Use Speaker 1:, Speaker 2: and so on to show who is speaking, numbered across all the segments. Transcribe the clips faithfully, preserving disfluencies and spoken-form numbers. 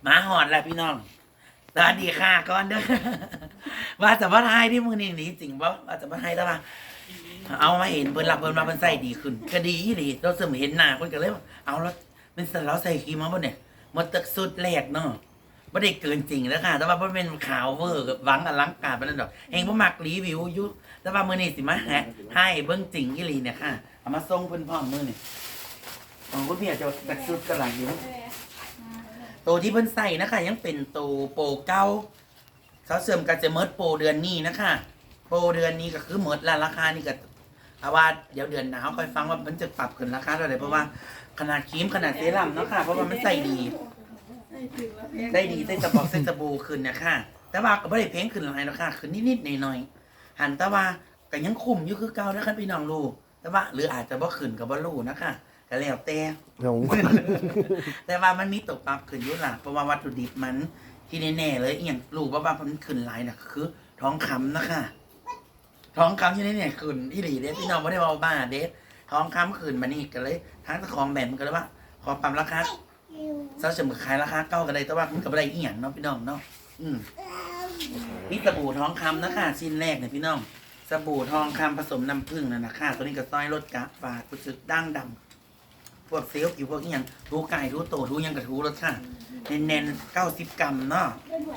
Speaker 1: มาหอดแล้วพี่น้องสวัสดีค่ะก่อนเด้อว่าจะมาไทยที่มือนี่หนีจริงป่ะว่าจะมาไทยแล้วป่ะเอามาเห็นเพิ่นหลับเพิ่นมาเพิ่นใส่ดีขึ้นก็ดีดีเราเสมเห็นหน้าเพิ่นก็เลยว่าเอาแล้วเป็นสันเราใส่ครีมมาบ่เนี่ยมันตึกสุดแรกเนาะไม่ได้เกินจริงแล้วค่ะแต่ว่าบ่เป็นขาวเวอร์กับหวังอลังการปานนั้นดอกเองบ่มักรีวิวอยู่แต่ว่ามื้อนี้สิมาให้เบิ่งจริงอีหลีเนี่ยค่ะเอามาส่งเพิ่นพร้อมมื้อนี่ของคุณพี่อาจจะตึกสุดกำลังอยู่ตัวที่เพิ่นใส่นะคะยังเป็นตัวโปรเก้าเขาเสริมกันจะเมิดโปรเดือนนี้นะคะโปรเดือนนี้ก็คือเมิดละราคานี่ก็เอาว่าเดี๋ยวเดือนหนาวค่อยฟังว่ามันจะปรับขึ้นราคาเท่าไหร่เพราะว่าขนาดครีมขนาดเซรั่มเนาะค่ะเพราะว่ามันใส่ดีได้ดีใส่สบอกใส่สบู่ขึ้นเนี่ยค่ะแต่ว่าก็ไม่ได้เพ้งขึ้นหลายแล้วค่ะขึ้นนิดๆหน่อยๆหันแต่ว่าก็ยังคุมอยู่คือเก่านะคะพี่น้องรู้แต่ว่าหรืออาจจะบ่ขึ้นกับบ่รู้นะคะก็แล้วแต่แต่ว่ามันมีตกปรับขึ้นอยู่ล่ะเพราะว่าวัตถุดิบมันที่แน่ๆเลยอย่างรู้ว่าว่ามันขึ้นหลายน่ะคือท้องคำนะคะท้องคำที่แน่ๆขึ้นอีหลีเด้พี่น้องไม่ได้ว่าบ้าเด้ท้องคำขึ้นมานี่ก็เลยทั้งตะของแบบมันก็เลยว่าขอปรับราคาเซาเสมอขายราคาเก้ากันเลยแต่ว่ามันก็ไม่ได้อีหยังเนาะพี่น้องเนาะอืมนี่สบู่ท้องคำนะคะชิ้นแรกเนี่ยพี่น้องสบู่ทองคำผสมน้ำผึ้งนั่นนะคะตัวนี้ก็ซอยลดกะฝาดกุศลดั้งดำพวกเซลล์อยู่พวกนี้ยังทูไก่ทูโตทูยังกับทูรสชาติเน้นๆเก้าสิบกรัมเนาะ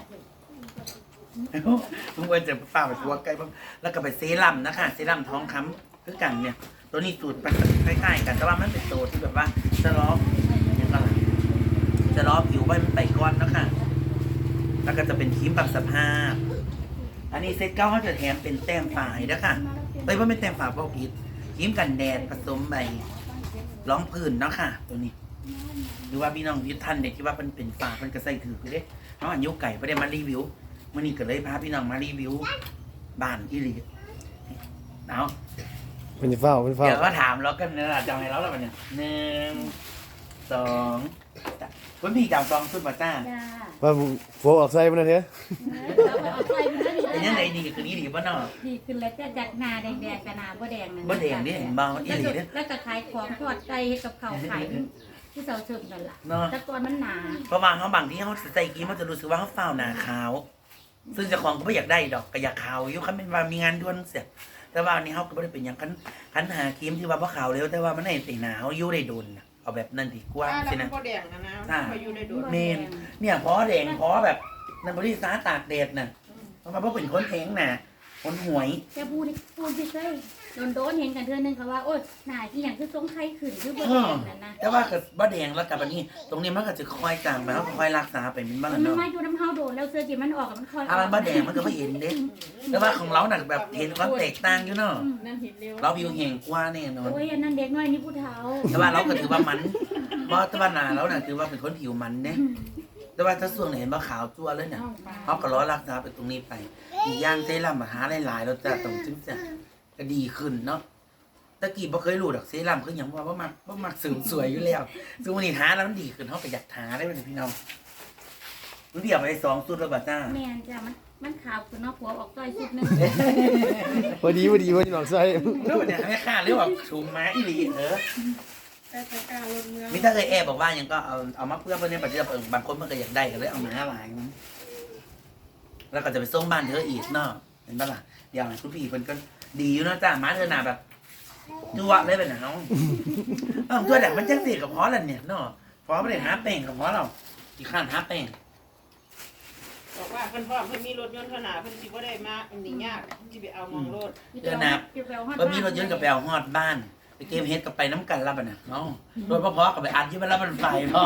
Speaker 1: ทุกคนจะฝ่าไปทัวไก่แล้วก็ไปเซรั่มนะคะเซรั่มท้องคำคือกันเนี่ยตัวนี้สูตรคล้ายๆกันแต่ว่ามันเป็นตัวที่แบบว่าจะล้อยังไงจะล้อผิวไว้มันไปก้อนนะคะแล้วก็จะเป็นครีมปรับสภาพอันนี้เซตเก้าเขาจะแถมเป็นแต้มฝายนะคะเอ้ยว่าไม่แต้มฝาเพราะผิดครีมกันแดดผสมใบร้องพื้นเนาะค่ะตัวนี้หรือว่าพี่น้องยุทธันเด็กที่ว่ามันเป็นฝามันก็ใส่ถือไปได้เพราะอันยุไก่ไม่ได้มารีวิวมื่อนี้ก็เลยพาพี่น้องมารีวิวบ้านอีหลีเอา
Speaker 2: เป็นเฝ้าเป็นเฝ้า
Speaker 1: เดี๋ยวก็ถามแล้วกันนะจำให้เราแล้วมันเนี่ยหนึ่งสองคุณพี่จำซองสุดมาจ้า
Speaker 2: ว่าโฟออกไซมันนะเถอะ
Speaker 1: เป็นยังไงดีคือนี้ดีป่ะเนาะ
Speaker 3: ดีขึ้นแล้วจะจากนาแดงๆกับนาบ่แดงนั่น
Speaker 1: บ่แดงนี่เห็นบ้างอีหลีเนี่ย
Speaker 3: แล้วก็ขายของทอดไก่กับข้าวขายที่เสาเสริมกันล่ะแต่ก่อนมันหนา
Speaker 1: เพราะบางเขาบางที่เขาใส่กี้มันจะรู้สึกว่าเขาเฝ้าหนาขาวซึ่งเจ้าของก็ไม่อยากได้ดอกก็อยากขาวอยู่คันเป็นว่ามีงานด่วนเสียแต่ว่านี้เขาก็ไม่ได้เป็นอย่างคันคันหาครีมที่ว่าพ่อขาวเร็วแต่ว่ามันในตีหนาวอยู่ได้โดนเอาแบบนั่นดีกว่า
Speaker 4: ใช่ไหมพอแดงนะนะมาอยู่ในโดน
Speaker 1: เมนเนี่ยพอแดงพอแบบนั่นบริษัทตากแดดน่ะเพราะว่าเป็นคนแข็งน่ะคนหวย
Speaker 3: แกพูดพูดพี่เคยโดนโดนเห็นกันเทื่อนึงเขาว่าโอ๊ยหนาที่อย่างคือทรงไข่ขึ้นคือบ่แดงนั่นนะ
Speaker 1: แต่ว่าเกิดบ่แดงแล้วกับอันนี้ตรงนี้มันก็จะค่อยจางไปแล้วค่อยรักษาไปมันบ้าง
Speaker 3: เนาะมันมาอยู่น้ำเฮาโดนแล้วเสื้อจีมันออกมันค่อย
Speaker 1: ถ้ามันบ่แดงมันก็ไม่เห็นเด้แต่ว่าของเราหนักแบบเห็นความแตกต่างอยู่เนาะเราผิวแห้งกว่าแน่นอน
Speaker 3: โอ้ยอันนั้นเด็กน้อยนี่ผู้เฒ่า
Speaker 1: แต่ว่าเราก็ถือว่ามันเพราะตะวันนาเราน่ะถือว่าเป็นคนผิวมันเนี่ยแต่ว่าถ้าส่วนไหนเห็นว่าขาวจั่วเลยเนี่ยเขาก็ร้อยรักษาไปตรงนี้ไปอีกอย่างเซรั่มหาหลายๆเราจะตรงจึงจะก็ดีขึ้นเนาะตะกี้บ่เคยรู้ดอกเซรั่มคืออย่างว่าว่ามักว่ามักสูงสวยอยู่แล้วซึ่งวันนี้ทาแล้วมันดีขึ้นเขาก็อยากทาได้เป็นพี่น้องมันเดียวไปสองสุดแล้วบัดจ้า
Speaker 3: แม่นจ้ะมันมันขาวคือเนาะผัวออกซอยสุดนึง
Speaker 2: พอดีพอดีพอดีหนองไส้
Speaker 1: แล้วเนี่ยไม่ค่าหรือว่าชูม้าอีหลีเออมิถ้าเคยแอบบอกว่ายังก็เอาเอามาเพื่อเพื่อนในปัจจุบันบางคนมันก็อยากได้ก็เลยเอามาหลายแล้วก็จะไปส่งบ้านเธออีกเนาะเห็นปะล่ะอย่างคุณพี่เพิ่นก็ดีอยู่เนาะจ้าม้าเธอหนาแบบจั่วเลยเป็นหนาวเออตัวแดกมันจังสีกับเพราะอะไรเนี่ยเนาะเพราะไม่ได้หาแป้งกับเพราะเราอีกขั้นหาแป้ง
Speaker 4: บอกว่าเพิ่นพ่อเพิ่นมีรถยนต์ขนาดเพิ่นสิบ่ได้มาอันนี้ยากสิไปเอามองรถ
Speaker 1: เดี๋ยวนะก็มีรถยนต์กับแปลฮอดบ้านไปเกมเฮดกับไปน้ำกันรับอ่ะนะเนาะรถพ่อๆกับไปอัดที่มันรับมันไฟพ่อ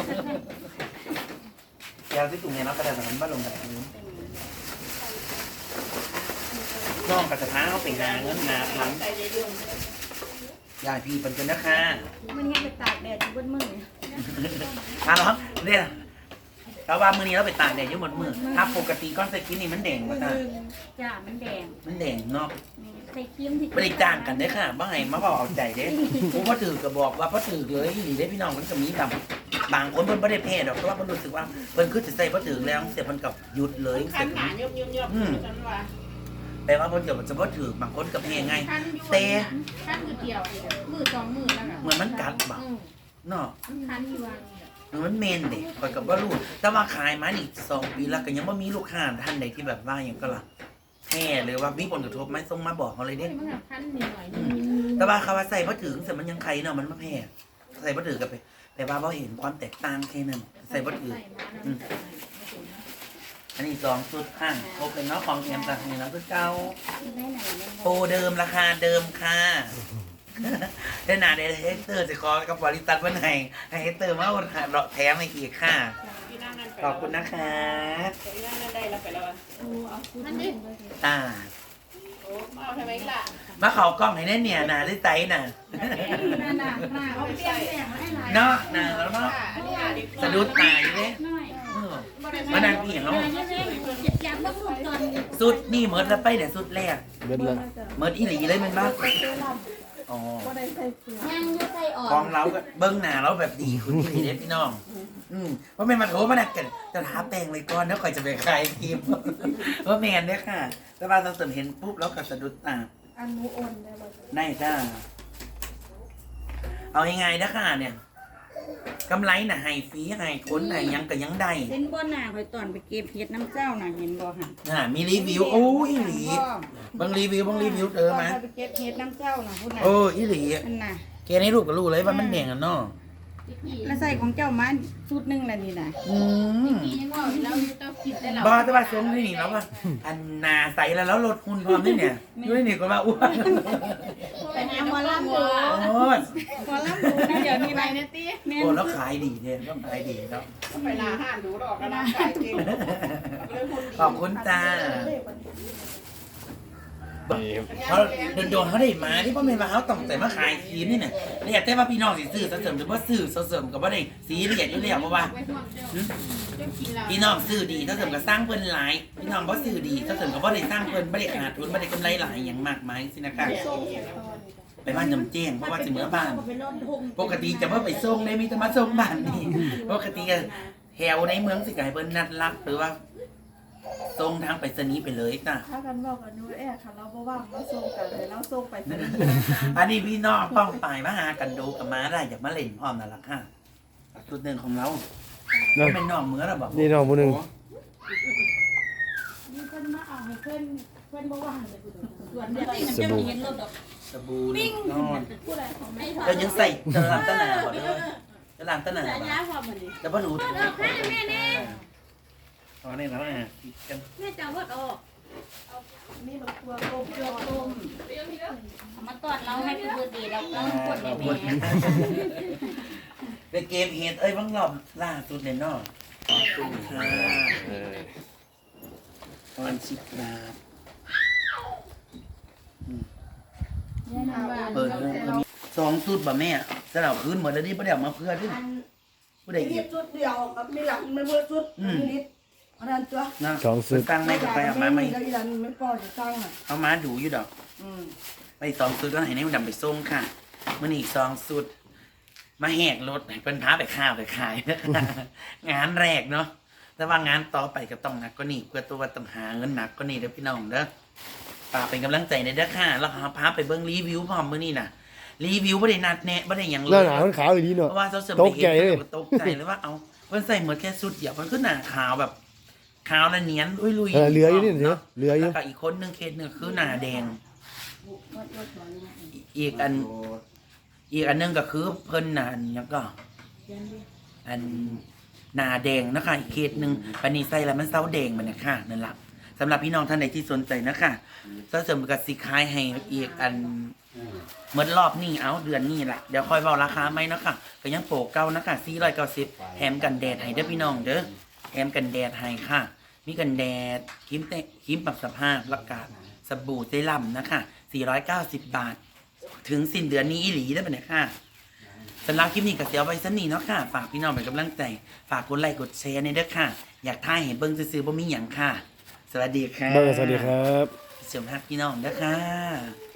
Speaker 1: แกวที่ตรงนี้เนาะกระดาษมันบ้านลงแบบนี้น้องกับสถานเขาเป็นงานเงินนาพลังยายพี่เป็นกันนะคะ
Speaker 3: มันให้ไปตากแดดอยู่บนมือ
Speaker 1: อ่ะเนาะเนี่ยเราว่ามือนี้เราไปตากแดดอยู่บนมือถ้าปกติก้อนสกินนี่มันแดงกว่าจ้า
Speaker 3: จ้ามันแดง
Speaker 1: มันแดงเนาะ
Speaker 3: ใส่ครีมที่
Speaker 1: ไม่ได้จ้างกันได้ค่ะบ้างไงมาบอกเอาใจเด้ผมก็ถือก็บอกว่าพ่อถือเลยหนีได้พี่น้องมันจะมีแบบบางคนเพิ่นไม่ได้เพศหรอกเพราะว่าเพิ่นรู้สึกว่าเพิ่นคือจะใส่พ่อถือแล้วเสร็จมันกับหยุดเลย
Speaker 4: เสร็จหนาเยบๆๆฉันว่า
Speaker 1: แปลว่าเพิ่นเดี๋ยวจะพ่อถือบางคนกับเพศไงเตะ
Speaker 4: คันมือเดียวมือสองมือแล้ว
Speaker 1: เหมือนมันกัดบ่เนาะ
Speaker 3: คันอยู่ว่า
Speaker 1: อมันเมนเด็กคอยกับว่าลูกแต่ว่าขายมาอีกสองปีแล้วก็ยังไม่มีลูกค้าท่านใดที่แบบว่าอย่างก็ละแห่หรือว่ามีผลกระทบไหมส่งมาบอกเขาเลยเด้
Speaker 3: มันแบบพันหน่อยนึง
Speaker 1: แต่ว่าเขาว่าใส่พอถึงแต่มันยังใครเนาะมันไม่แพ้ใส่พอถือกับไปแต่ว่าเราเห็นความแตกต่างแค่นั้นใส่พอถืออันนี้สองสุดข้างครบเลยเนาะของแถมจากนี้แล้วคือเก่าโปรเดิมราคาเดิมค่ะได้หนาได้เฮกเตอร์จะขอกับบริษัทวันไหนให้เฮกเตอร์มาวันเราแถมให้อีกค่ะ
Speaker 4: พี่นั่งนั่นไป
Speaker 1: ขอบคุณนะคะ
Speaker 4: พี่นั่งนั่นได้แล้วไปแล้ว
Speaker 3: นั่นดิ
Speaker 1: ตา
Speaker 4: โอ้เอาทำไมล่ะ
Speaker 1: มาเขากล้องให้แน่เนี่ยนะได้ใจน่ะ
Speaker 3: นั่นน่ะหน้าเขาเปลี่ยนแปลงมาให้หลาย
Speaker 1: เนาะนะแล้วเนาะ
Speaker 4: อันนี้อ่ะดิ
Speaker 1: สะดุดตายเลย
Speaker 3: น้อย
Speaker 1: เออมานั่งเอียงเนาะ
Speaker 3: อยากมาสุดตอน
Speaker 1: สุดนี่เหมือนแล้วไปเนี่ยสุดแรก
Speaker 2: เบิดละ
Speaker 1: เหมือนอีหลีเลยแมันบ้างอ๋อ
Speaker 3: ยังจะใส่ออก
Speaker 1: กองเราก็เบิ้งหน้าเราแบบดีคุณอีหลีเด้พี่น้อง อืมว่าเป็นมาโถมาหนักกันจะท้าแปลงเลยก่อนแล้วค่อยจะไปคลายครีม ว่าแมนเนี่ยค่ะ แต่ว่าเราเสริมเห็นปุ๊บแล้วก็สะดุดตา
Speaker 5: อันนูโอนได้บ่
Speaker 1: ได้จ้า เอายังไงนะค่ะเนี่ยกำไรน่ะให้ฟรีให้คนให้หยังก็ยังได้
Speaker 5: เส้นบ่หน้าคอยตอนไปเก็บเฮ็ดน้ำเจ้าน่ะเห็นบ่หั่น
Speaker 1: น่ะมีรีวิวโอ้ยอีหลีบางรีวิวบางรีวิวเจอไหม
Speaker 5: ตนไปเก็บเฮ็ดน้ำเจ้าน่ะพุ่นน่ะ
Speaker 1: โอ้ยอีหลี
Speaker 5: นั่นน่ะ
Speaker 1: แกนี่ลูกก็รู้เลยว่ามันแดงกันเนาะ
Speaker 5: แล้วใส่ของเจ้ามาชุดหนึงแล้วนี่น่ะ
Speaker 1: อืม
Speaker 3: ยังว่าแล้วต้องคิดได้แล้ว
Speaker 1: บ้าแต่ว่าทรงที่นี่แล้วว่าอันนาใสแล้วแล้วลดหุ่นพร้อมด้วยเนี่ยด้วยนี่ก็ว่าอ้วน
Speaker 5: ไปหาหมอลำดู
Speaker 1: โอ้ย
Speaker 5: หมอลำดูนะเดี๋ยวนี้ไปนะติแม่
Speaker 1: โอ้แล้วขายดีเนี่ยต้องขายดีครับ
Speaker 4: ไปนาห้านดูดอกกระดาษไก่เก่งเลยคนดี
Speaker 1: ขอบคุณจ้าเขาโดนโดนๆเขาได้มาที่พ่อแม่มาเขาต้องแต่มาขายครีมนี่เนี่ยเรียกแต่ว่าพี่น้องสิซื้อเสริมหรือว่าซื้อเสริมกับว่าได้สีละเอียดอยู่แล้วเพราะว่า พี่น้องซื้อดีถ้าเสริมก็สร้างเพิ่นหลายพี่น้องบ่ซื้อดีถ้าเสริมก็บ่ได้สร้างเพิ่นบ่ได้ขาดทุนบ่ได้กำไรหลายอย่างมากมายสินะคะไปบ้านจำแจ้งเพราะว่าสิเมื่อบ้าน ปกติจะบ่ไปส่งได้มีแต่มาส่งบ้านนี่ปกติก็แถวในเมืองสิก็ให้เพิ่นนัดรับหรือว่าส่งทางไปรษณีย์ไปเลยจ้ะ
Speaker 5: ถ้ากันบอกกับนูแอร์ค่ะเราบ่ว่างมาส่งกันเลยเราส่งไปซะ
Speaker 1: อันนี้พี่น้องป้องปายมาหากันดูกับมาได้อยากมาเล่นพร้อมนั่นล่ะค่ะจุดหนึ่งของเรา
Speaker 2: นั่น
Speaker 1: เป็นน้องเหมือนเราบอก
Speaker 2: นี่น้องผู้หนึง
Speaker 3: มีคนมาเอาให้เพื่อนเพื่อนบ่ว่างเลยส่วนเดียวมันจะมีเห็นรถดอก
Speaker 1: สบู่ลูกนอน
Speaker 3: ผู้ใดของไม่ถอด
Speaker 1: เรายังใส่ตะลำตะหนาบ่เด้อตะลำตะหนา
Speaker 3: แต่
Speaker 1: บ่
Speaker 3: ยาพอมันดิ
Speaker 1: แต่บ่รู้
Speaker 3: รถออกค่ะแม่แน่
Speaker 1: ตอนนี้เราอ่ะกัน
Speaker 3: แม่จะเอารถออก
Speaker 5: นี่บักตัวกบยอลม
Speaker 3: เอามาตอดเราให้พี่เบิร์ดดีเราก็กด
Speaker 1: ข
Speaker 3: ให้
Speaker 1: อบคุณ
Speaker 3: แม่
Speaker 1: เป็นเกมเฮดเอ้ยบางรอบล่าสุดเนี่ยเนาะขอบคุณค่ะ
Speaker 2: เออ
Speaker 1: ตอนสิบนาท
Speaker 3: แน่นอนว่า
Speaker 1: เปิดเรื่องก็มีสองสุดบ่แม่สลับคืนหมดแล้วนี่ประเดี๋ยวมาเพื่อที่ผู้ใด
Speaker 6: มี
Speaker 1: เก็บ
Speaker 6: ชุดเดียวกับมีหลังไม่เมื่อชุด
Speaker 1: อืม
Speaker 6: นิดเพราะนั้นตัว
Speaker 1: นะ
Speaker 2: สองสุด
Speaker 1: ตั้งไม่กับไปเอามาไม่
Speaker 6: แล้วอีหลังไม่พอจะสร้างอ่ะ
Speaker 1: เอามาดูอยู่ดอก
Speaker 6: อืม
Speaker 1: ไปสองสุดก็ให้ในมันดำไปส่งค่ะมื่อนี้อีกสองสุด มาแหกรถให้เพิ่นพาไปข้าวไปขาย งานแรกเนาะแต่ว่างานต่อไปก็ต้องหนักก็นี่เพื่อตัวต้องหาเงินหนักก็นี่เด้อพี่น้องเด้อฝากเป็นกำลังใจในเด้อค่ะแล้วพาไปเบิ่งรีวิวพร้อมมื้อนี้น่ะ รีวิวบ่ได้นัดแนะบ่ได้หยังเล
Speaker 2: หน้าย หนาวมันขาวอีหลีเนาะ
Speaker 1: เพราะว่าเขาเสริม
Speaker 2: ตกใจเลย
Speaker 1: ตกใจเลยว่าเอาเพิ่นใส่เหมือนแค่สุดเดียวมันคือหน้าขาวแบบขาวและเนียนอุ้ยลุย
Speaker 2: เออเหลืออยู่นี่เถอะเหลืออยู่
Speaker 1: แล้วก็อีกคนหนึงเคสหนึงคือหน้าแดง อีกอัน อีกอันหนึงก็คือเพิ่นน่ะอันหยังก็ อันหน้าแดงนะคะอีกเคสหนึงปานนี้ใส่แล้วมันเซาแดงมันน่ะค่ะนั่นล่ะสำหรับพี่น้องท่านใดที่สนใจนะคะเสริมกับสิขายให้อีกอัน เมื่อรอบนี้เอาเดือนนี้แหละเดี๋ยวค่อยเบาราคาไหมเนาะค่ะก็ยังโปรเก้านะคะสี่ร้อยเก้าสิบแถมกันแดดให้เด้อพี่น้องเด้อแถมกันแดดให้ค่ะ มีกันแดดครีมเตะครีมปรับสภาพและกาสบู่เจลัมนะคะสี่ร้อยเก้าสิบบาท ถึงสิ้นเดือนนี้อีหลีได้ปะเนี่ยค่ะสำหรับคลิปนี้ก็เสียไว้สนี่เนาะค่ะฝากพี่น้องเป็นกำลังใจฝากกดไลค์กดแชร์ในเด้อค่ะ อยากท่ายเห็นเบิ้งซื้อๆบ่มีหยังค่ะ สวัสดีค่ะ
Speaker 2: เบอร์สวัสดีครับ
Speaker 1: เสริมฮักพี่น้องเด้อค่ะ